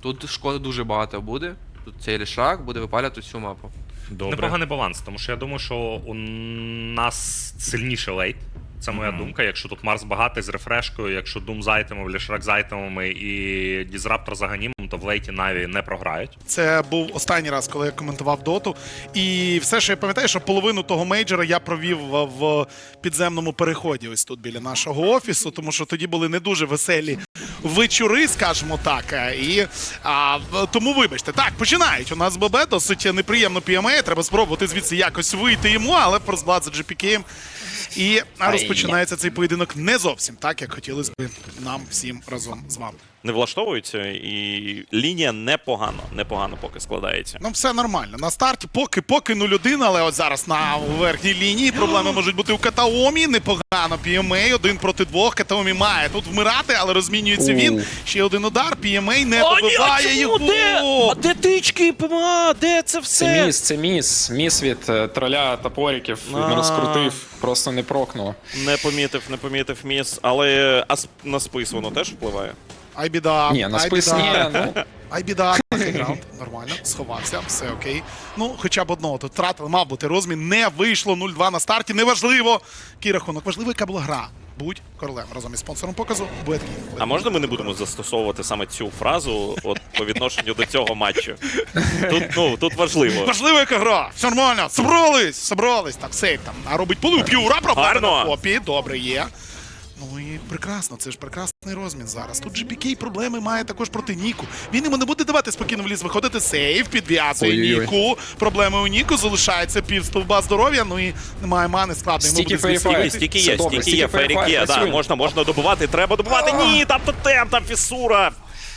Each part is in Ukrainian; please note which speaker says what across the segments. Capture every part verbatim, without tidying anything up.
Speaker 1: Тут шкоди дуже багато буде. Тут цей лішак буде випалювати всю мапу.
Speaker 2: Добре. Непоганий баланс, тому що я думаю, що у нас сильніший лейт. Це моя mm-hmm. думка. Якщо тут Марс багатий з рефрешкою, якщо Doom з айтемами, Лішрак з айтемами і Дізраптор з аганімом, то в лейті Наві не програють.
Speaker 3: Це був останній раз, коли я коментував доту. І все, що я пам'ятаю, що половину того мейджора я провів в підземному переході ось тут біля нашого офісу, тому що тоді були не дуже веселі вечори, скажімо так. І а, тому вибачте. Так, починають. У нас ББ досить неприємно пі ем ей. Треба спробувати звідси якось вийти йому, але Форсблад за джі пі кей. І розпочинається цей поєдинок не зовсім так, як хотілося б нам всім разом з вами.
Speaker 4: Не влаштовується, і лінія непогано, непогано поки складається.
Speaker 3: Ну, все нормально. На старті поки поки нуль один, але от зараз на верхній лінії проблеми можуть бути у Катаомі. Непогано пі ем ей, один проти двох. Катаомі має тут вмирати, але розмінюється він. Ще один удар, пі ем ей не добиває його.
Speaker 4: Де? А де тички, ПМА? Де це все?
Speaker 5: Це міс, це міс. Міс від е, троля топориків. Він розкрутив, просто не прокнув.
Speaker 4: Не помітив, не помітив міс, але а на спис воно теж впливає?
Speaker 3: Ай біда,
Speaker 5: Ні, на
Speaker 3: ай
Speaker 5: спис
Speaker 3: біда.
Speaker 5: ні, ну.
Speaker 3: Ай біда, раунд, нормально, сховався, все окей. Ну, хоча б одного тут втратили, мав бути розмін, не вийшло, нуль два на старті, неважливо. Який рахунок, важливо, яка була гра. Будь королем разом із спонсором показу. Беткі.
Speaker 4: А можна ми не будемо застосовувати саме цю фразу от по відношенню до цього матчу? Тут, ну, тут важливо.
Speaker 3: Важлива яка гра, все нормально, собрались, собрались, так, сейф там, а робить полу, п'юра, проблеми на копі, добре є. Ну і прекрасно, це ж прекрасний розмін зараз. Тут джі пі кей проблеми має також проти Ніку. Він йому не буде давати спокійно в ліс виходити. Сейф, підв'язує
Speaker 5: Ой-ой-ой.
Speaker 3: Ніку. Проблеми у Ніку, залишається пів стовба здоров'я, ну і немає мани, складно йому буде
Speaker 5: Стільки
Speaker 3: звідси
Speaker 5: фейфай.
Speaker 3: вийти.
Speaker 4: Стільки
Speaker 5: Все
Speaker 4: є,
Speaker 5: добре,
Speaker 4: стільки є,
Speaker 5: стільки
Speaker 4: фейрік є,
Speaker 5: працює.
Speaker 4: да, можна, можна добивати, треба добивати. Ні, там тотем, там фісура.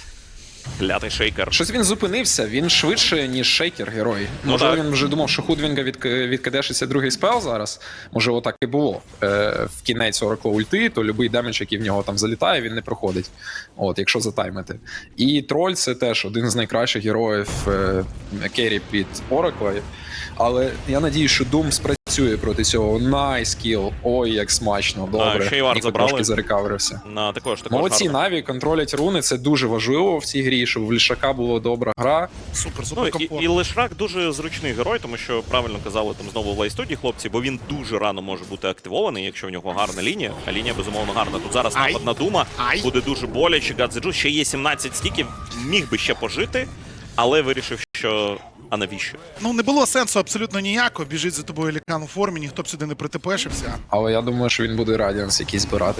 Speaker 4: Клятий шейкер.
Speaker 5: Щось він зупинився, він швидше, ніж шейкер герой.
Speaker 4: Ну,
Speaker 5: Може,
Speaker 4: так.
Speaker 5: він вже думав, що Худвінга від, відкидешиться другий спел зараз. Може, отак і було. Е, в кінець Оракла ульти, то будь-який демедж, який в нього там залітає, він не проходить. От, якщо затаймити. І Троль — це теж один з найкращих героїв е, керрі під Оракла. Але я надію, що Doom спрацює проти цього. Найскіл. Ой, як смачно, добре.
Speaker 4: ще й вард
Speaker 5: Ніко
Speaker 4: забрали.
Speaker 5: трошки зарекаверився.
Speaker 4: На, також, також
Speaker 5: Молодці,
Speaker 4: гарно.
Speaker 5: Наві контролять руни, це дуже важливо в цій грі, щоб в Лішака була добра гра.
Speaker 3: Супер,
Speaker 4: Ну,
Speaker 3: супер
Speaker 4: і,
Speaker 3: комфортно.
Speaker 4: і Лешрак дуже зручний герой, тому що правильно казали там знову в лайстуді хлопці, бо він дуже рано може бути активований, якщо в нього гарна лінія, а лінія безумовно гарна. Тут зараз
Speaker 3: Ай.
Speaker 4: напад на Дума,
Speaker 3: Ай.
Speaker 4: буде дуже боляче, Гадзеджу, ще є сімнадцять стіків, міг би ще пожити, але вирішив, що а навіщо?
Speaker 3: Ну, не було сенсу абсолютно ніякого. Біжить за тобою лікан у формі, ніхто б сюди не притепешився.
Speaker 5: Але я думаю, що він буде Радіанс якийсь збирати.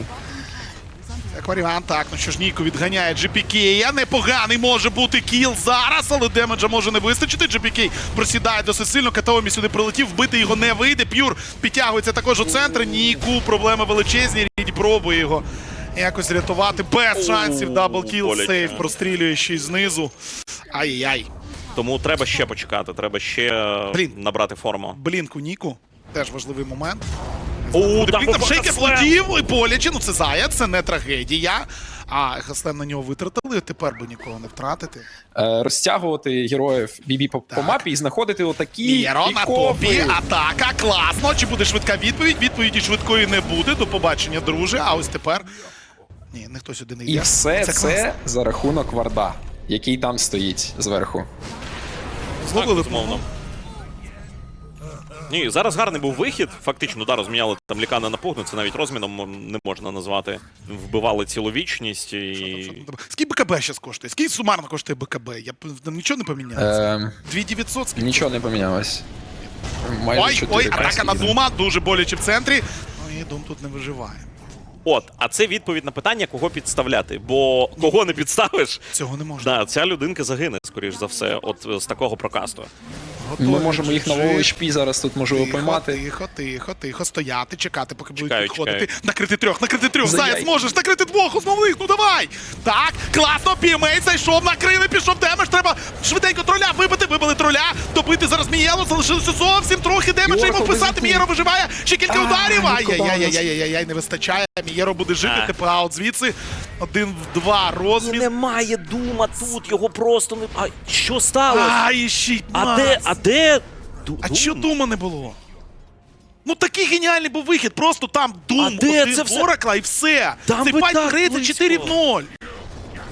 Speaker 3: Як варіант, так, ну що ж, Ніку відганяє джі пі кей. Непоганий може бути кіл зараз, але демеджа може не вистачити. джі пі кей просідає досить сильно, Катаомі сюди прилетів, вбити його не вийде. П'юр підтягується також у центр. Ніку, проблеми величезні, Ріді пробує його якось рятувати. Без шансів, даблкіл,
Speaker 4: боляче.
Speaker 3: сейф, прострілює ще й знизу. Ай-яй.
Speaker 4: Тому треба ще почекати, треба ще
Speaker 3: Блін.
Speaker 4: набрати форму.
Speaker 3: Блінк у Ніку, теж важливий момент.
Speaker 4: О,
Speaker 3: Там, там шейкер
Speaker 4: слем.
Speaker 3: влетів і боляче, ну це заяць, це не трагедія. А Хаслем на нього витратили, тепер би нікого не втратити.
Speaker 5: Е, розтягувати героїв бібі по, по мапі і знаходити отакі
Speaker 3: Міро на топі,
Speaker 5: пікові.
Speaker 3: атака, класно. Чи буде швидка відповідь? Відповіді швидкої не буде. До побачення, друже. А ось тепер... Ні, ніхто сюди не йде.
Speaker 5: І все це,
Speaker 3: класно.
Speaker 5: за рахунок варда, який там стоїть зверху.
Speaker 3: Зловили
Speaker 4: безумовно. Ні, зараз гарний був вихід. Фактично, да, розміняли там лікана на пугну, це навіть розміном не можна назвати. Вбивали цілу вічність і...
Speaker 3: Скільки БКБ зараз коштує? Скільки сумарно коштує БКБ? Я б- там нічого не помінялося?
Speaker 5: Е,
Speaker 3: дві тисячі дев'ятсот? Скільки?
Speaker 5: нічого не помінялось. Майже
Speaker 3: Ой,
Speaker 5: чотири
Speaker 3: ой, атака
Speaker 5: тисячі.
Speaker 3: на Дума, дуже боляче в центрі. Ну і Дум тут не виживає.
Speaker 4: От, а це відповідь на питання, кого підставляти. Бо кого не підставиш,
Speaker 3: Цього не можна.
Speaker 4: да, ця людинка загине, скоріш за все, от з такого прокасту.
Speaker 3: Готові,
Speaker 5: Ми можемо їх на
Speaker 3: жив.
Speaker 5: Вол ейч пі зараз тут можливо
Speaker 3: Тихо,
Speaker 5: поймати.
Speaker 3: тихо, тихо, тихо, стояти, чекати, поки будуть
Speaker 4: Чекаю,
Speaker 3: підходити.
Speaker 4: чекаю.
Speaker 3: Накрити трьох, накрити трьох,
Speaker 5: Заяй.
Speaker 3: Заяць, можеш, накрити двох основних, ну давай! Так, класно, пі ем ей зайшов, накрили, пішов демедж, треба швиденько троля вибити, вибили троля, добити зараз Мієло, залишилося зовсім трохи демеджа йому
Speaker 5: Йорко,
Speaker 3: вписати,
Speaker 5: без
Speaker 3: Мієро виживає, ще кілька
Speaker 5: А,
Speaker 3: ударів,
Speaker 5: Ніко
Speaker 3: ай-яй-яй-яй-яй, не вистачає, Мієро буде жити,
Speaker 4: А.
Speaker 3: типу аут звідси, один в два розмін.
Speaker 4: Немає Дума тут, його просто не... А що сталося?
Speaker 3: Ай, ще й
Speaker 4: А
Speaker 3: Макс.
Speaker 4: де, а де... Ду-
Speaker 3: А
Speaker 4: Дум?
Speaker 3: чого Дума не було? Ну такий геніальний був вихід, просто там Дум,
Speaker 4: А де
Speaker 3: один
Speaker 4: це все?
Speaker 3: Оракла і все.
Speaker 4: Там
Speaker 3: Цей
Speaker 4: ви
Speaker 3: файт
Speaker 4: так
Speaker 3: грається
Speaker 4: близько.
Speaker 3: чотири в ноль.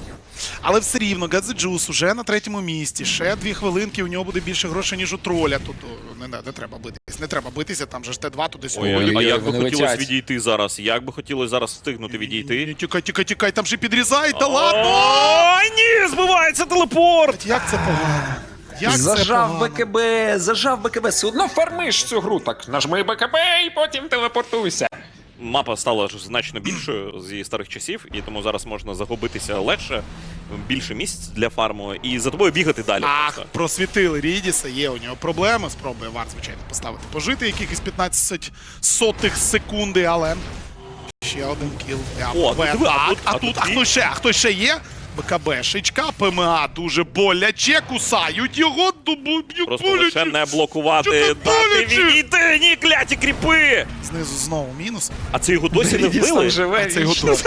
Speaker 3: Але все рівно Гадзеджус уже на третьому місці. Ще дві хвилинки, у нього буде більше грошей, ніж у троля. Тут о, не, не, не треба битись. Не треба битися, там же ж Т два туди сюди.
Speaker 4: Ой, а як би
Speaker 5: вони
Speaker 4: хотілося
Speaker 5: летять.
Speaker 4: відійти зараз? Як би хотілося зараз встигнути відійти?
Speaker 3: Тікай, тікай, тікай, там же підрізають, та ладно!
Speaker 4: Ой, ні, збивається телепорт!
Speaker 3: Як це погано? Як це
Speaker 5: Зажав
Speaker 3: погано?
Speaker 5: БКБ, зажав БКБ, все одно фармиш цю гру, так нажми БКБ і потім телепортуйся.
Speaker 4: Мапа стала ж значно більшою зі старих часів, і тому зараз можна загубитися легше, більше місць для фарму, і за тобою бігати далі.
Speaker 3: Ах,
Speaker 4: просто.
Speaker 3: просвітили Рідіса, є у нього проблеми. Спробує Вар, звичайно, поставити пожити якихось п'ятнадцять сотих секунди, але ще один кіл.
Speaker 4: О,
Speaker 3: Так,
Speaker 4: диви, а тут-
Speaker 3: а
Speaker 4: а
Speaker 3: тут,
Speaker 4: тут
Speaker 3: а хто ще? А хто ще є? БКБшечка, ПМА дуже боляче, кусають його, дубу б'ють
Speaker 4: Просто лише
Speaker 3: боляче.
Speaker 4: не блокувати,
Speaker 3: Що
Speaker 4: дати
Speaker 3: так боляче?
Speaker 4: відійти, ні, кляті кріпи!
Speaker 3: Знизу знову мінус.
Speaker 4: А це його досі не
Speaker 5: Рідіс
Speaker 4: вбили?
Speaker 5: там живе
Speaker 3: А це його
Speaker 5: вічно.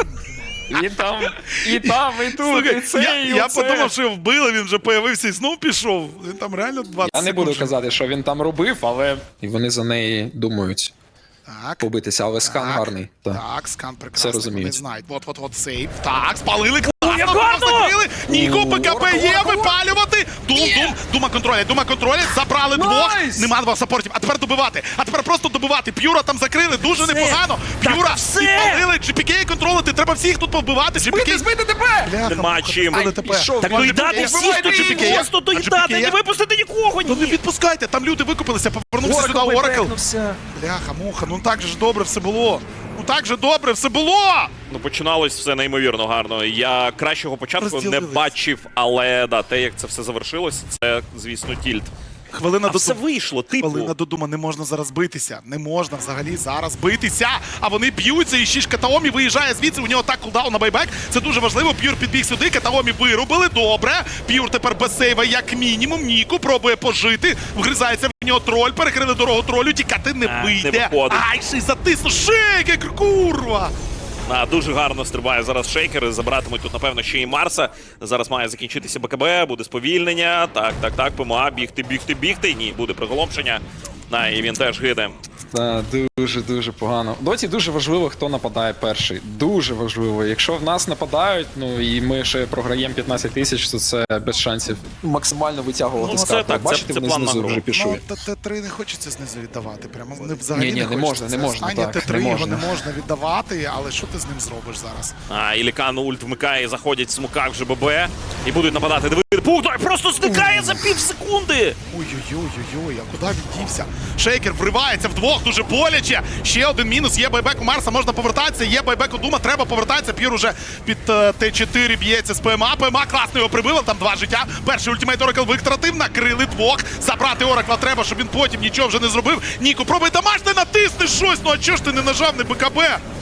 Speaker 5: І там, і там, і тут, і
Speaker 3: Слухай,
Speaker 5: це,
Speaker 3: я,
Speaker 5: і
Speaker 3: я
Speaker 5: оце.
Speaker 3: подумав, що його вбили, він вже появився і знов пішов. Він там реально двадцять
Speaker 5: Я не
Speaker 3: секунд
Speaker 5: буду
Speaker 3: вже.
Speaker 5: казати, що він там робив, але і вони за неї думають
Speaker 3: Так.
Speaker 5: побитися, але скан
Speaker 3: Так,
Speaker 5: гарний. Так.
Speaker 3: Так, скан прекрасний,
Speaker 5: Все розуміють.
Speaker 3: вони знають. От, от, от, сейв. Так, спалили,
Speaker 4: як
Speaker 3: класно,
Speaker 4: гарно!
Speaker 3: закрили. Ніко,
Speaker 5: О,
Speaker 3: ПКП
Speaker 5: орка,
Speaker 3: є,
Speaker 5: орка,
Speaker 3: випалювати. Дум, дум, дума контролять, дума контролять, забрали двох.
Speaker 5: Найс!
Speaker 3: Нема двох саппортів, а тепер добивати. А тепер просто добивати. П'юра там закрили, дуже непогано. П'юра, підпалили, джі пі кей контролити, треба всіх тут повбивати. джі пі кей...
Speaker 5: Збити тебе!
Speaker 3: Бляха,
Speaker 4: Нема
Speaker 3: муха,
Speaker 4: чим.
Speaker 3: збили
Speaker 5: Ай,
Speaker 3: тепер.
Speaker 5: пішов.
Speaker 4: Так
Speaker 5: Вон,
Speaker 4: доїдати
Speaker 5: Джі пі Кей,
Speaker 4: всіх, то
Speaker 5: вбивай,
Speaker 4: Джі пі Кей,
Speaker 5: Джі
Speaker 4: просто
Speaker 3: А Джі пі
Speaker 4: доїдати,
Speaker 3: Кей?
Speaker 4: не випустити нікого,
Speaker 3: Ну не
Speaker 4: ні!
Speaker 3: відпускайте, там люди викупилися, повернувся сюди Оракл.
Speaker 5: бекнувся.
Speaker 3: Бляха, муха, ну так же ж добре все було. Ну так же добре все було.
Speaker 4: Ну, починалось все неймовірно гарно. Я кращого початку не
Speaker 3: Розділились.
Speaker 4: бачив, але да, те, як це все завершилось, це, звісно, тільт.
Speaker 3: Хвилина
Speaker 4: А
Speaker 3: до
Speaker 4: все вийшло, типу.
Speaker 3: Хвилина до Дума, не можна зараз битися. Не можна взагалі зараз битися. А вони б'ються, і Шіш Катаомі виїжджає звідси. У нього так кулдаун на байбек. Це дуже важливо. П'юр підбіг сюди. Катаомі вирубили. Добре. П'юр тепер без сейва, як мінімум. Ніку пробує пожити. Вгризається в нього троль. Перекрили дорогу тролю. Тікати не
Speaker 4: А, не
Speaker 3: вийде.
Speaker 4: виходить.
Speaker 3: Ай, ще й затиснув. Шейкер, курва!
Speaker 4: А, дуже гарно стрибає зараз шейкер. Забиратимуть тут, напевно, ще і Марса. Зараз має закінчитися БКБ, буде сповільнення. Так, так, так, ПМА, бігти, бігти, бігти. Ні, буде приголомшення. На, і він теж гине.
Speaker 5: Так, дуже-дуже погано. В Доті дуже важливо, хто нападає перший. Дуже важливо. Якщо в нас нападають, ну і ми ще програємо п'ятнадцять тисяч, то це без шансів максимально витягувати
Speaker 4: Ну,
Speaker 5: з
Speaker 4: це
Speaker 5: карти.
Speaker 4: так, це-
Speaker 5: Бачите,
Speaker 4: це
Speaker 5: вони
Speaker 4: план на
Speaker 5: знизу
Speaker 4: гру.
Speaker 5: вже пішли.
Speaker 3: Ну, Т три не хочеться знизу віддавати. Прямо не взагалі
Speaker 5: Ні-ні,
Speaker 3: не
Speaker 5: не
Speaker 3: хочеться.
Speaker 5: можна, не
Speaker 3: Це
Speaker 5: можна,
Speaker 3: останнє
Speaker 5: так,
Speaker 3: Т три,
Speaker 5: не
Speaker 3: його не
Speaker 5: можна.
Speaker 3: можна віддавати, але що ти з ним зробиш зараз?
Speaker 4: А, Ілікан ульт вмикає, заходять в смуках вже ББ. І будуть нападати. Диви, Пугдай просто зникає за пів секунди.
Speaker 3: Ой-ой-ой-ой, а куди він дівся? Шейкер вривається вдвох, дуже боляче. Ще один мінус, є байбек у Марса, можна повертатися, є байбек у Дума, треба повертатися. П'юр уже під е, Т чотири б'ється з ПМА. ПМА класно його прибило, там два життя. Перший ультимейт Оракл витратив, накрили двох. Забрати Оракла треба, щоб він потім нічого вже не зробив. Ніку, пробуй домашнє, натисни щось, ну а чого ж ти не нажав, не БКБ?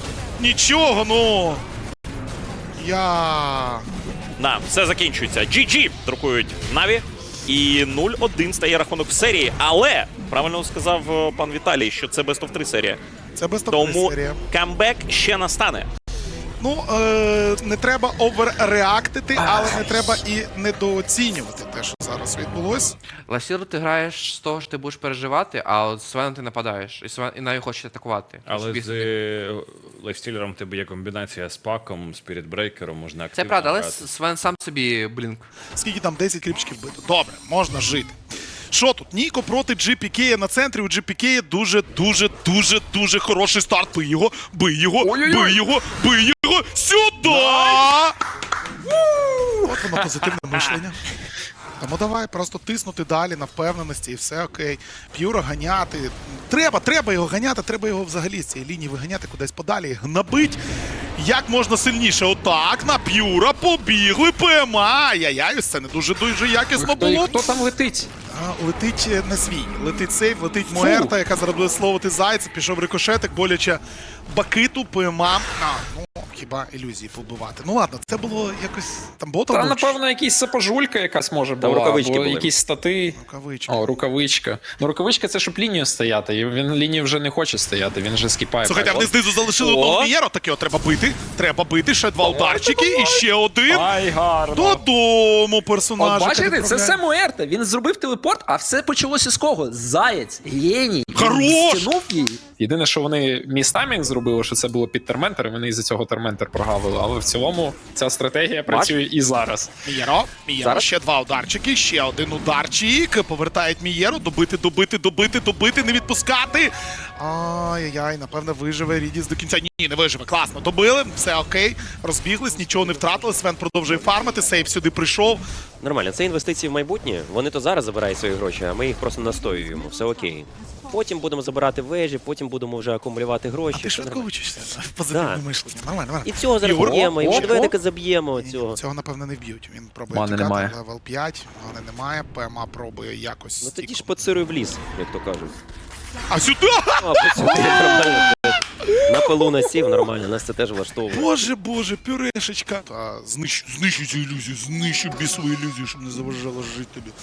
Speaker 3: Нічого, ну. Я...
Speaker 4: На, все закінчується. джі джі друкують Наві. І нуль один стає рахунок в серії. Але, правильно сказав е, пан Віталій, що це Best of три серія.
Speaker 3: Це без
Speaker 4: Тому
Speaker 3: серія.
Speaker 4: камбек ще настане.
Speaker 3: Ну, е, не треба оверреактити, але не треба і недооцінювати те, що зараз відбулось.
Speaker 1: Ласіру ти граєш з того, що ти будеш переживати, а от з Свеном ти нападаєш. І Свен і навіть хочеш атакувати.
Speaker 6: Але
Speaker 1: Собі
Speaker 6: з
Speaker 1: собі.
Speaker 6: е, лайфстілером в тебе є комбінація з паком, спірітбрейкером, можна
Speaker 1: Це
Speaker 6: активно
Speaker 1: правда, але
Speaker 6: грати.
Speaker 1: Свен сам собі блінк.
Speaker 3: Скільки там десять кріпчиків бито. Добре, можна жити. Що тут? Ніко проти джі пі кей на центрі. У джі пі кей дуже, дуже, дуже, дуже хороший старт. Бий його, бий його,
Speaker 5: Ой-ой-ой.
Speaker 3: бий його, бий його. Сюди! От воно позитивне мишлення. Тому давай просто тиснути далі на впевненості і все окей. П'юра ганяти. Треба, треба його ганяти, треба його взагалі з цієї лінії виганяти кудись подалі, гнабить. Як можна сильніше. Отак, на П'юра побігли, ПМА. Ай-яй-яй, ось це не дуже-дуже якісно
Speaker 5: Хто,
Speaker 3: було.
Speaker 5: хто там летить?
Speaker 3: А, летить е, не свій. Летить сейф, летить Муерта, яка зараз буде словити зайця. Пішов рикошетик, боляче Бакиту, ПМА. А, ну, хіба ілюзії побивати. Ну ладно, це було якось там ботом.
Speaker 5: Та,
Speaker 3: був чи
Speaker 5: напевно, якийсь сапожулька якась може
Speaker 4: Там
Speaker 5: була,
Speaker 4: рукавички
Speaker 5: або
Speaker 4: були.
Speaker 5: якісь стати.
Speaker 3: рукавичка?
Speaker 5: О, рукавичка. Ну, рукавичка це щоб лінію стояти. І він лінію вже не хоче стояти, він вже скіпає.
Speaker 3: Слухайте, а вони знизу залишили
Speaker 4: О!
Speaker 3: одного Вієро, таке треба бити. Треба бити, ще два ударчики і ще один.
Speaker 5: Ай, гарно.
Speaker 3: Додому персонажа.
Speaker 7: От бачите, це все Муерта. Він зробив телепорт, а все почалося з кого? Заєць, геній. Він
Speaker 3: Хорош!
Speaker 7: стянув її
Speaker 5: Єдине, що вони містаймінг зробили, що це було під терментер, і вони із-за цього терментер прогавили. Але в цілому ця стратегія працює і зараз.
Speaker 3: Мієро, Мієро,
Speaker 7: Зараз?
Speaker 3: ще два ударчики, ще один ударчик. Повертають Мієро, добити, добити, добити, добити, не відпускати. Ай-яй-яй, напевно, виживе Рідіс до кінця. Ні, не виживе. Класно, добили, все окей, розбіглись, нічого не втратили. Свен продовжує фармити, сейф сюди прийшов.
Speaker 7: Нормально, це інвестиції в майбутнє. Вони то зараз забирають свої гроші, а ми їх просто настоюємо. Все окей. Потім будемо забирати вежі, потім будемо вже акумулювати гроші.
Speaker 3: А ти
Speaker 7: Все
Speaker 3: швидко
Speaker 7: нормально.
Speaker 3: вичишся в позитивне
Speaker 7: Да.
Speaker 3: мишлення. Нормально, нормально.
Speaker 7: І цього зараз
Speaker 3: Ігор,
Speaker 7: вб'ємо, і
Speaker 3: о, о,
Speaker 7: медведика
Speaker 3: о.
Speaker 7: заб'ємо
Speaker 3: Ні,
Speaker 7: цього.
Speaker 3: Цього, напевно, не вб'ють. Він пробує
Speaker 5: Мани
Speaker 3: тікати,
Speaker 5: немає.
Speaker 3: левел п'ять, мани немає, ПМА пробує якось.
Speaker 7: Ну тоді ж
Speaker 3: стіку.
Speaker 7: поцируй в ліс, як то кажуть.
Speaker 3: А сюди!
Speaker 7: А, поцируй, нормально. На пилу насів, нормально, нас це теж влаштовує.
Speaker 3: Боже, боже, пюрешечка. Та знищу, знищу цю ілюзію, знищу бісову ілюзію, щоб не заважало жити тобі.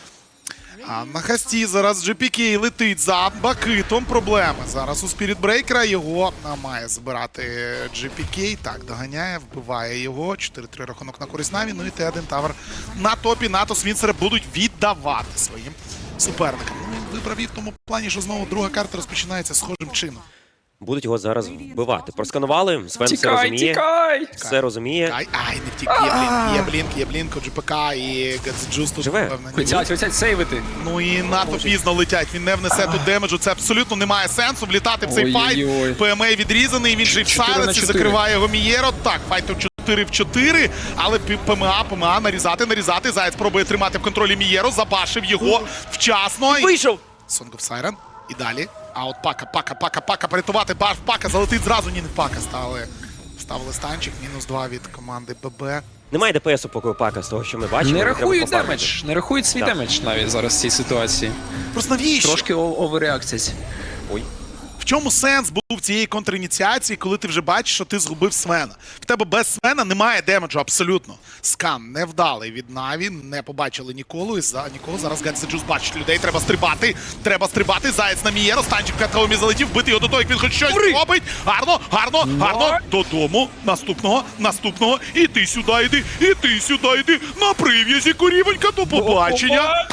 Speaker 3: А на хасті зараз джі пі кей летить за Бакитом. Проблеми. Зараз у Spirit Breaker його а, має збирати джі пі кей. Так, доганяє, вбиває його. чотири три рахунок на користь Наві. Ну і Т один Тавер на топі. Натос Вінсера будуть віддавати своїм суперникам. Ну, він вибрав і в тому плані, що знову друга карта розпочинається схожим чином.
Speaker 7: Будуть його зараз вбивати. Просканували, Свен все
Speaker 5: Тікай,
Speaker 7: розуміє.
Speaker 5: тікай!
Speaker 7: Все розуміє.
Speaker 3: Ай, ай, не втік, є блінк, є блінк, є блінк, у джі пі кей і Гадзеджус тут,
Speaker 7: Живе.
Speaker 3: напевно, ні.
Speaker 5: Хотять, хотять сейвити.
Speaker 3: Ну і надто пізно летять, він не внесе тут демеджу, це абсолютно немає сенсу влітати в цей файт.
Speaker 5: Ой-ой-ой.
Speaker 3: ПМА відрізаний, він же й в
Speaker 5: чотири на
Speaker 3: сайленсі,
Speaker 5: чотири.
Speaker 3: закриває його Мієро. Так, файт у чотири в чотири, але пі- ПМА, ПМА, нарізати, нарізати. Заяць пробує тримати в контролі Мієро, забашив його вчасно. І-
Speaker 7: Вийшов!
Speaker 3: Song of Siren. І далі. А от пака, пака, пака, пака, порятувати. Баш, пака, залетить зразу. Ні, не пака стали. Ставили станчик, мінус два від команди ББ.
Speaker 7: Немає ДПСу поки у Пака, з того, що ми бачимо.
Speaker 5: Не
Speaker 7: треба
Speaker 5: рахують
Speaker 7: пофармити.
Speaker 5: демедж, не рахують свій
Speaker 7: Так.
Speaker 5: демедж навіть зараз в цій ситуації.
Speaker 3: Просто навіщо?
Speaker 5: Трошки о- оверреакція.
Speaker 7: Ой.
Speaker 3: В чому сенс був цієї контриніціації, коли ти вже бачиш, що ти згубив Свена? В тебе без Свена немає демеджу абсолютно. Скан невдалий від Наві, не побачили ніколи. І за нікого зараз Гадзеджус бачить людей. Треба стрибати, треба стрибати. Заєць на Мієро, станчик в катковому залетів, бити його до того, як він хоч щось робить. Гарно, гарно, гарно. Додому. Наступного, наступного. І ти сюди йди, і ти сюди йди. На прив'язі, корівонька, до побачення.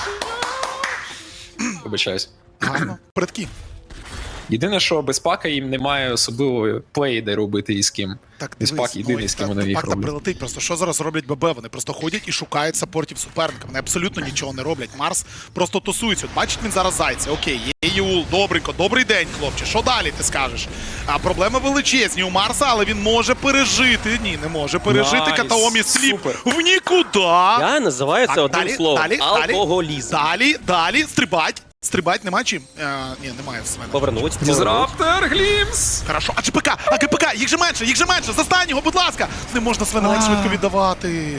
Speaker 5: Вибачаюсь.
Speaker 3: Гарно. Передки.
Speaker 5: Єдине, що без пака їм немає особливої плеї, де робити і з ким.
Speaker 3: Так,
Speaker 5: Без
Speaker 3: дивись,
Speaker 5: пак єдиний,
Speaker 3: ну,
Speaker 5: з ким
Speaker 3: та-
Speaker 5: вони їх
Speaker 3: пак там
Speaker 5: роблять.
Speaker 3: прилетить. Просто що зараз роблять ББ? Вони просто ходять і шукають саппортів суперника. Вони абсолютно нічого не роблять. Марс просто тусується. От бачить він зараз зайця. Окей, є Юл, добренько, добрий день, хлопче. Що далі ти скажеш? А проблеми величезні у Марса, але він може пережити. Ні, не може пережити.
Speaker 5: Найс,
Speaker 3: Катаомі сліп
Speaker 5: супер.
Speaker 3: в нікуди.
Speaker 7: Я називаю це
Speaker 3: Так,
Speaker 7: одним
Speaker 3: далі,
Speaker 7: словом.
Speaker 3: далі, далі.
Speaker 7: Алкоголізм.
Speaker 3: Далі, далі, стрибать. Стрибать нема чим? Е, ні, немає Свена.
Speaker 7: Повернуть. повернуть.
Speaker 5: Дізраптор, Глімс!
Speaker 3: Хорошо, а ЧПК, а КПК, їх же менше, їх же менше, застань його, будь ласка! Не можна Свена так швидко віддавати.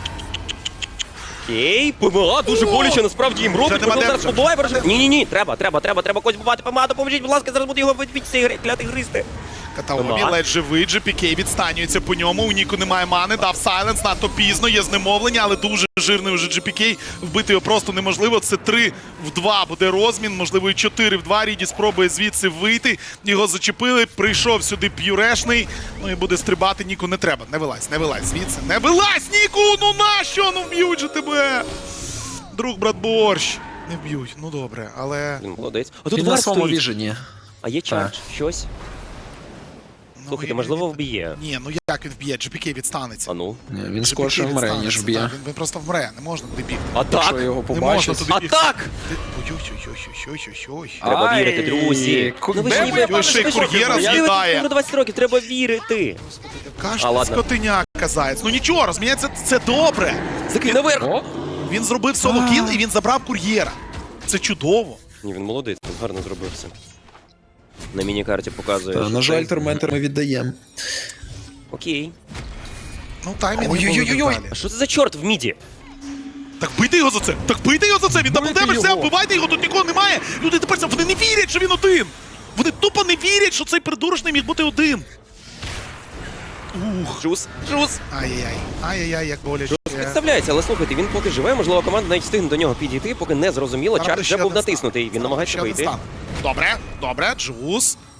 Speaker 7: Окей, ПМА дуже боляче насправді їм робить.
Speaker 3: нема
Speaker 7: Можливо, зараз
Speaker 3: демеджа.
Speaker 7: побуває враження. Ні-ні-ні, треба, треба, треба, треба когось бувати. ПМА, допоможіть, будь ласка, зараз буде його відбити цей гри- клятий гристи.
Speaker 3: Катаомі
Speaker 7: Ага.
Speaker 3: ледь живий, джі пі кей відстанюється по ньому, у Ніку немає мани, дав сайленс, надто пізно, є знемовлення, але дуже жирний уже джі пі кей, вбити його просто неможливо, це три в два буде розмін, можливо і чотири в два, Ріді спробує звідси вийти, його зачепили, прийшов сюди п'юрешний, ну і буде стрибати, Ніку не треба, не вилазь, не вилазь звідси, не вилазь, Ніку, ну нащо, ну вб'ють же тебе, друг, брат, борщ, не вб'ють, ну добре, але...
Speaker 7: Він молодець. А тут
Speaker 5: Він на
Speaker 7: вар
Speaker 5: своєму
Speaker 7: стоїть.
Speaker 5: віжені.
Speaker 7: А є чардж, щось.
Speaker 3: ну,
Speaker 7: Слухайте,
Speaker 3: і-
Speaker 7: можливо, вб'є.
Speaker 3: Ні, ну як він вб'є, джі пі кей відстанеться.
Speaker 7: А ну.
Speaker 5: Ні, Він
Speaker 3: джі пі кей
Speaker 5: скорше вмре, ніж
Speaker 3: відстанеться,
Speaker 5: вб'є.
Speaker 3: так, Він, він просто вмре, не можна туди бігти.
Speaker 7: Атак!
Speaker 5: Якщо його
Speaker 3: Не можна
Speaker 5: побачить.
Speaker 3: туди бігти.
Speaker 7: Атак!
Speaker 3: Ти- Ой-ой-ой-ой-ой-ой-ой.
Speaker 7: Треба
Speaker 5: Ай,
Speaker 7: вірити, друзі.
Speaker 5: ку-
Speaker 7: Ну ви ж
Speaker 5: де
Speaker 7: ніби-
Speaker 5: ви,
Speaker 3: пане
Speaker 7: ви ж
Speaker 3: Шейх, кур'єра
Speaker 7: ви ж
Speaker 3: з'їдає.
Speaker 7: ніби двадцять років, треба вірити. А,
Speaker 3: Кашка,
Speaker 7: ладно.
Speaker 3: скотиня, казаєць. Ну нічого, розуміється, це добре.
Speaker 7: Закинь наверх!
Speaker 5: О,
Speaker 3: Він зробив соло кіл і він забрав кур'єра. Це чудово.
Speaker 7: Ні, він молодець, він гарно зробив все. На міні-карті показує.
Speaker 5: та,
Speaker 7: що
Speaker 5: на жаль,
Speaker 7: це-
Speaker 5: Торментер ми віддаємо.
Speaker 7: Окей.
Speaker 3: Ну таймінг не
Speaker 5: Ой-ой-ой-ой.
Speaker 3: було далі.
Speaker 7: А що це за чорт в міді?
Speaker 3: Так бийте його за це! Так бийте його за це! Він
Speaker 5: Бийте
Speaker 3: даблдемедж, все,
Speaker 5: його.
Speaker 3: вбивайте його, тут нікого немає! Люди тепер це- вони не вірять, що він один! Вони тупо не вірять, що цей придурочний міг бути один! Ух.
Speaker 7: Джус, Джус!
Speaker 3: Ай-яй-яй, ай-яй-яй, як боляче.
Speaker 7: Представляється, але слухайте, він поки живе, можливо, команда навіть встигне до нього підійти, поки не зрозуміло,
Speaker 3: Правда,
Speaker 7: чарт
Speaker 3: ще
Speaker 7: вже був
Speaker 3: один стан.
Speaker 7: натиснутий, він намагається
Speaker 3: Ще один
Speaker 7: вийти.
Speaker 3: стан. Добре, добре, Джус. А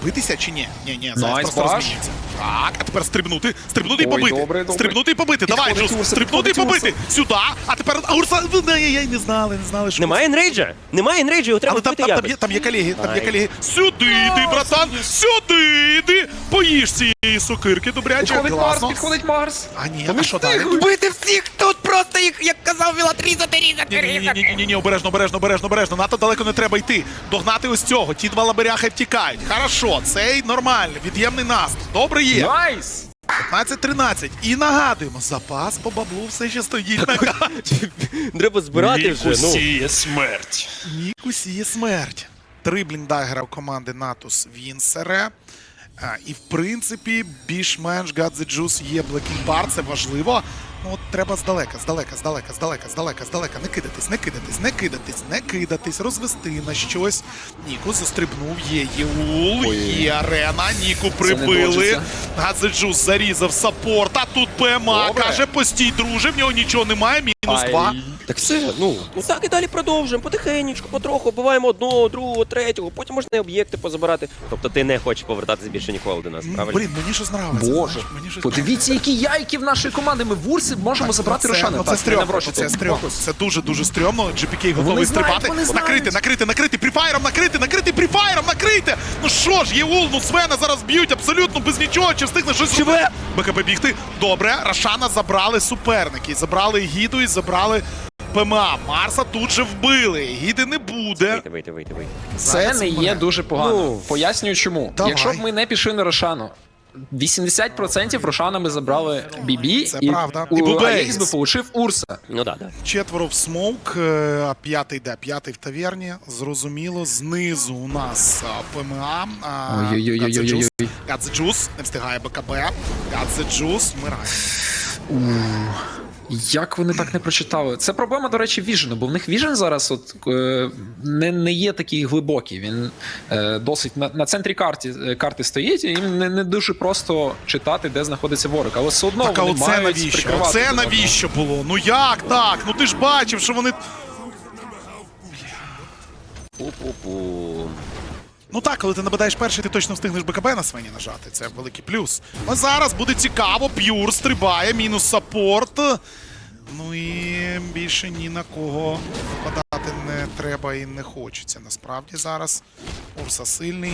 Speaker 3: битися чи ні? Ні, ні, зараз
Speaker 5: Найс,
Speaker 3: просто
Speaker 5: баш.
Speaker 3: розміняться. Так, а тепер стрибнути, стрибнути і
Speaker 5: Ой,
Speaker 3: побити.
Speaker 5: добре, добре.
Speaker 3: Стрибнути і побити. Давай,
Speaker 5: Підходить
Speaker 3: Джус,
Speaker 5: Урса,
Speaker 3: стрибнути і
Speaker 5: підходить
Speaker 3: побити. Сюди, а тепер а Урса, ну, я, я й не знали, не знали, що.
Speaker 7: Немає енрейджа? Немає енрейджа, його треба
Speaker 3: Але там,
Speaker 7: вбити
Speaker 3: там, там,
Speaker 7: якось.
Speaker 3: є, там є колеги, там є
Speaker 7: Ай.
Speaker 3: колеги. Сюди йди, братан, сюди йди. Поїж цієї сокирки, добряче.
Speaker 5: Підходить Марс,
Speaker 3: Класно.
Speaker 5: підходить Марс.
Speaker 3: А ні, а що далі?
Speaker 7: Вбити всіх тут просто їх, як казав Вілат, різати, різати,
Speaker 3: Ні, ні, ні,
Speaker 7: різати.
Speaker 3: ні, ні, ні, обережно, обережно, обережно, обережно. Надто далеко не треба йти. Догнати ось цього. Ті два лаберяхи втікають. Хорошо, цей нормальний, від'ємний наступ. Добре є.
Speaker 5: Найс!
Speaker 3: п'ятнадцять тринадцять. І нагадуємо, запас по баблу все ще стоїть на карті.
Speaker 7: Треба збирати вже, ну.
Speaker 5: смерть.
Speaker 3: Нік усіє смерть. Три бліндагера у команди Натус Вінсере. А, і в принципі, більш-менш God the Juice є Blacking Bar, це важливо. Ну от треба здалека, здалека, здалека, здалека, здалека, здалека. Не кидатись, не кидатись, не кидатись, не кидатись, розвести на щось. Ніку застрибнув, є Єул, є арена, Ніку прибили.
Speaker 5: доджиться.
Speaker 3: God the Juice зарізав саппорт, а тут ПМА
Speaker 5: Добре.
Speaker 3: каже, постій, друже, в нього нічого немає, мінус
Speaker 5: Ай.
Speaker 3: два.
Speaker 7: Так все, ну, ну так і далі продовжуємо, потихенечку, потроху, вбиваємо одного, другого, третього, потім можна і об'єкти позабирати. Тобто ти не хочеш повертатися більше ніколи до нас,
Speaker 3: М,
Speaker 7: правильно?
Speaker 3: Блін, мені щось нравиться.
Speaker 5: Боже,
Speaker 3: знаєш, мені щось
Speaker 5: подивіться, які яйки в нашої команди. Ми в Урсі можемо забрати
Speaker 3: Ну, це,
Speaker 5: Рошана.
Speaker 3: ну, це
Speaker 5: Так,
Speaker 3: стрьомно,
Speaker 5: не наврочити.
Speaker 3: це стрьомно.
Speaker 5: Фокус.
Speaker 3: Це дуже-дуже стрьомно. джі пі кей готовий
Speaker 5: Вони знають,
Speaker 3: стрибати.
Speaker 5: вони знають.
Speaker 3: Накрити, накрити, накрити, пріфайром, накрити, накрити, пріфайром, накрити. Ну що ж, Єул, ну Свена зараз б'ють абсолютно без нічого, чи встигне щось робити. БКБ бігти. Добре, Рошана забрали суперники. Забрали Гіду і забрали ПМА. Марса тут же вбили. Гіди не буде.
Speaker 7: Вийти, вийти, вийти, вийти.
Speaker 5: Це
Speaker 3: Зараз
Speaker 5: не
Speaker 3: у
Speaker 5: є
Speaker 3: мене.
Speaker 5: дуже погано.
Speaker 7: Ну,
Speaker 5: Пояснюю чому.
Speaker 3: давай.
Speaker 5: Якщо б ми не пішли на Рошану, вісімдесят відсотків Рошана ми забрали Бібі,
Speaker 3: Це
Speaker 5: і,
Speaker 3: правда. І
Speaker 5: у
Speaker 3: Бубейс.
Speaker 5: Алекс би получив Урса.
Speaker 7: Ну да, да.
Speaker 3: Четверо в смоук, е, а п'ятий де? П'ятий в таверні. Зрозуміло. Знизу у нас а, ПМА. а,
Speaker 5: Ой-ой-ой-ой-ой-ой.
Speaker 3: God the Juice. God the Juice. Не встигає БКБ. God the Juice. Вмирає.
Speaker 5: Як вони так не прочитали? Це проблема, до речі, Віжену, бо в них Віжен зараз от, е, не, не є такий глибокий. Він е, досить на, на центрі карті, е, карти стоїть, і їм не, не дуже просто читати, де знаходиться ворог. Але все одно
Speaker 3: Так, а
Speaker 5: вони
Speaker 3: оце
Speaker 5: мають
Speaker 3: навіщо?
Speaker 5: прикривати.
Speaker 3: Оце
Speaker 5: один одного.
Speaker 3: навіщо було? Ну як так? Ну ти ж бачив, що вони.
Speaker 7: Пу-пу-пу.
Speaker 3: Ну так, коли ти нападаєш перший, ти точно встигнеш БКБ на свині нажати. Це великий плюс. А зараз буде цікаво. П'юр стрибає, мінус саппорт. Ну і більше ні на кого нападати не треба і не хочеться. Насправді зараз Урса сильний.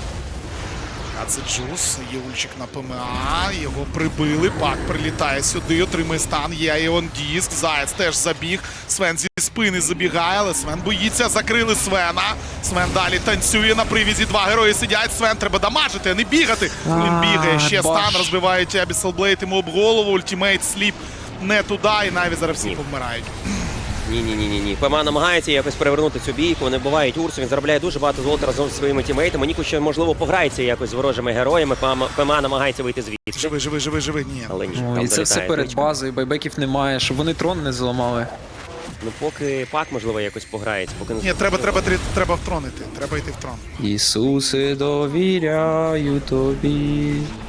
Speaker 3: А це Джус, є ульчик на ПМА, його прибили, Пак прилітає сюди, отримує стан, є Іон Діск, Заяць теж забіг, Свен зі спини забігає, але Свен боїться, закрили Свена, Свен далі танцює на привізі, два герої сидять, Свен треба дамажити, а не бігати. Він бігає, ще
Speaker 5: баш.
Speaker 3: стан, розбивають Abyssal Blade йому об голову, ультимейт сліп не туди, і навіть зараз всі повмирають.
Speaker 7: Ні-ні-ні-ні. ПМА намагається якось перевернути цю бійку, вони вбивають Урсу, він заробляє дуже багато золота разом зі своїми тімейтами. Ніку ще, можливо, пограється якось з ворожими героями, ПМА, ПМА намагається вийти звідси.
Speaker 3: Живи, живи, живи, живи, ні.
Speaker 7: Але ні,
Speaker 5: О,
Speaker 7: там
Speaker 5: і це все
Speaker 7: залітає
Speaker 5: перед
Speaker 7: тричка.
Speaker 5: базою, байбеків немає, щоб вони трон не зламали.
Speaker 7: Ну поки Пак, можливо, якось пограється, поки не...
Speaker 3: Ні, треба, треба, треба, треба втронити, треба йти в трон.
Speaker 5: Ісусе, довіряю тобі,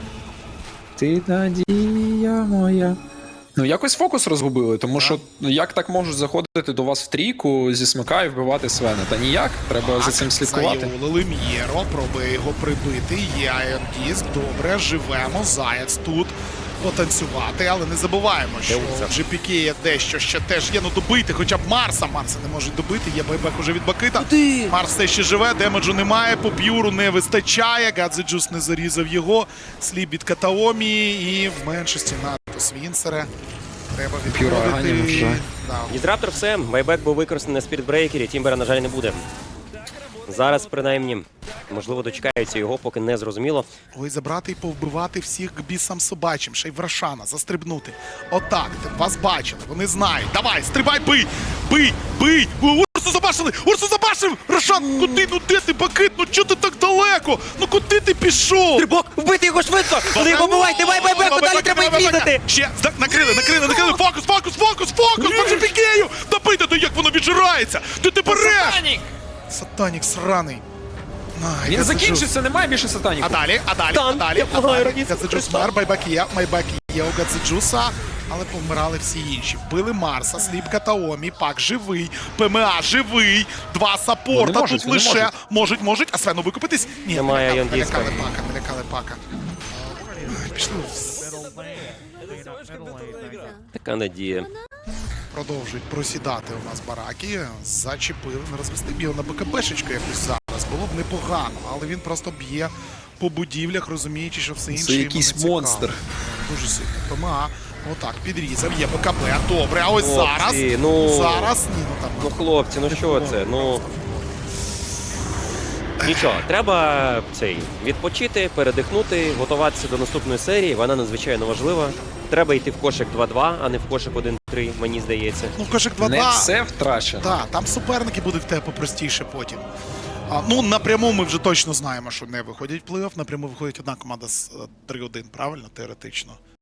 Speaker 5: ти надія моя. Ну, якось фокус розгубили, тому що ну, як так можуть заходити до вас в трійку зі смика і вбивати Свена? Та ніяк, треба за цим слідкувати.
Speaker 3: Заєулили М'єро, пробує його прибити. Є Iron Disc, добре, живемо, Заяць тут потанцювати, але не забуваємо, що в джі пі кей є дещо ще теж є, ну добити хоча б Марса. Марса не можуть добити, є байбек уже від Бакита. Марс все ще живе, демеджу немає, по п'юру не вистачає, God the Juice не зарізав його, сліп від Катаомі і в меншості Натус Вінсере. Треба
Speaker 5: П'юра ганім
Speaker 3: відходити.
Speaker 5: вже.
Speaker 3: Да.
Speaker 7: Дізраптор все, байбек був використаний на спіртбрейкері, Тімбера, на жаль, не буде. Зараз, принаймні, можливо, дочекаються його, поки не зрозуміло.
Speaker 3: Ой, забрати і повбивати всіх к бісам собачим, ще й в Рошана, застрибнути. Отак, ти- вас бачили, вони знають. Давай, стрибай, бий! Бий! Бий! О, Урсу забашили! Урсу забашив! Рошан, куди? Ну де ти, Бакит? Ну чого ти так далеко? Ну куди ти пішов?
Speaker 7: Стрибок! Вбити його швидко! Вони його бувають! Давай байбеку! Далі треба їх різати!
Speaker 3: Ще, зда- накрили, накрили, накрили! Фокус, фокус, фокус, фокус! По джі пі кею! Добити, то як воно віджирається! Ти ти береш! Сатанік сраний. Ай,
Speaker 5: Він
Speaker 3: God the Juice.
Speaker 5: закінчився, немає більше сатаніку.
Speaker 3: А далі, а далі,
Speaker 7: Там,
Speaker 3: а далі,
Speaker 7: я
Speaker 3: а
Speaker 7: благаю,
Speaker 3: далі.
Speaker 7: радіться
Speaker 3: Гадзеджус
Speaker 7: Христа.
Speaker 3: мер, байбак є, майбак є у Гадзеджуса. але помирали всі інші. Вбили Марса, Сліпка та Омі, Пак живий, ПМА живий, два саппорта
Speaker 5: Вони можуть,
Speaker 3: тут
Speaker 5: вони
Speaker 3: лише.
Speaker 5: можуть.
Speaker 3: Можуть, можуть, а Свену викупитись? Ні,
Speaker 7: Немає
Speaker 3: налякали,
Speaker 7: Яндіска.
Speaker 3: налякали Пака, налякали Пака. Пішли,
Speaker 7: Така надія.
Speaker 3: продовжують просідати у нас бараки. Зачепили, не розвести б його на БКБшечку якось зараз. Було б непогано, але він просто б'є по будівлях, розуміючи, що все інше
Speaker 5: Це
Speaker 3: йому
Speaker 5: якийсь
Speaker 3: не цікаво.
Speaker 5: монстр.
Speaker 3: Дуже сильно. ПМА, отак, підрізав, є БКБ, добре, а ось
Speaker 7: Хлопці,
Speaker 3: зараз,
Speaker 7: ну-
Speaker 3: зараз, ні, ну там,
Speaker 7: Ну, хлопці, ну що це? Ну. Нічого, треба цей відпочити, передихнути, готуватися до наступної серії. Вона надзвичайно важлива. Треба йти в кошик два-два, а не в кошик один-три, мені здається.
Speaker 3: ну кошик
Speaker 5: Не
Speaker 3: два-два.
Speaker 5: все втрачено.
Speaker 3: Так, там суперники будуть в тебе попростіше потім. А, ну, напряму ми вже точно знаємо, що не виходять в плей-офф. Напряму виходить одна команда з е, три один, правильно, теоретично.